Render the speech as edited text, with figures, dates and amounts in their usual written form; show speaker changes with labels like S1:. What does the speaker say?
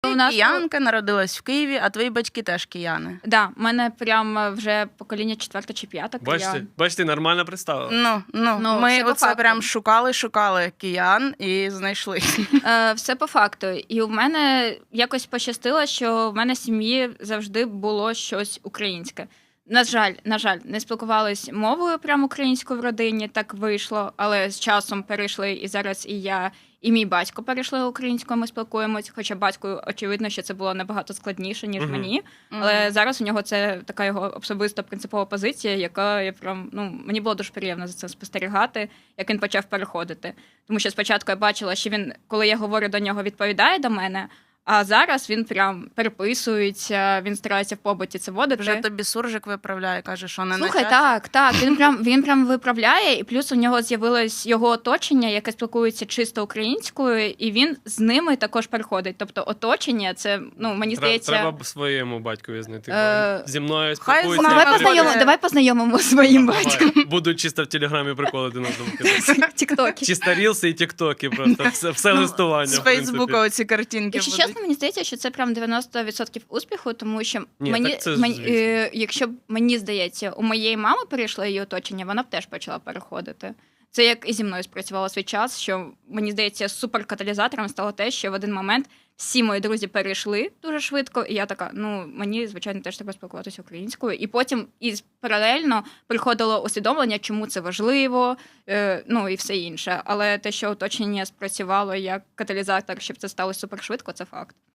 S1: у нас
S2: киянка, народилась в Києві, а твої батьки теж кияни.
S1: Да, в мене прям вже покоління 4 чи 5 киян.
S3: Бачите, нормально представила.
S1: Ну,
S2: Ми
S1: все по
S2: оце
S1: факту.
S2: прям шукали киян і знайшли.
S1: Все по факту. І в мене якось пощастило, що в мене в сім'ї завжди було щось українське. На жаль, не спілкувались мовою прямо українською в родині, так вийшло, але з часом перейшли, і зараз і я, і мій батько перейшли українською, ми спілкуємось, хоча батьку, очевидно, що це було набагато складніше, ніж мені, але зараз у нього це така його особиста принципова позиція, яка я прям, мені було дуже приємно за це спостерігати, як він почав переходити. Тому що спочатку я бачила, що він, коли я говорю до нього, відповідає до мене, а зараз він прям переписується, він старається в побуті це водити.
S2: Вже тобі суржик виправляє, каже, що не
S1: Слухай,
S2: на часі.
S1: так, він прям виправляє, і плюс у нього з'явилось його оточення, яке спілкується чисто українською, і він з ними також переходить. Тобто оточення, це, мені здається...
S3: Треба своєму батькові знайти. Зі мною
S2: Хай
S3: спілкується.
S2: знає.
S1: Давай познайомимо з моїм батьком.
S3: Будуть чисто в Телеграмі приколи один одному кидати.
S1: Тіктоки.
S3: Чисто рілси і тіктоки просто. Все листування,
S2: З
S3: в принципі.
S2: Фейсбука оці картинки
S1: Якщо
S2: будуть.
S1: чесно, мені здається, що це прям 90% успіху, тому що
S3: Ні, так це звісно.
S1: якщо б мені здається, у моєї мами перейшло її оточення, вона б теж почала переходити. Це як і зі мною спрацювало свій час, що мені здається, суперкаталізатором стало те, що в один момент всі мої друзі перейшли дуже швидко, і я така, мені, звичайно, теж треба спілкуватися українською. І потім паралельно приходило усвідомлення, чому це важливо, і все інше. Але те, що оточення спрацювало як каталізатор, щоб це сталося супершвидко, це факт.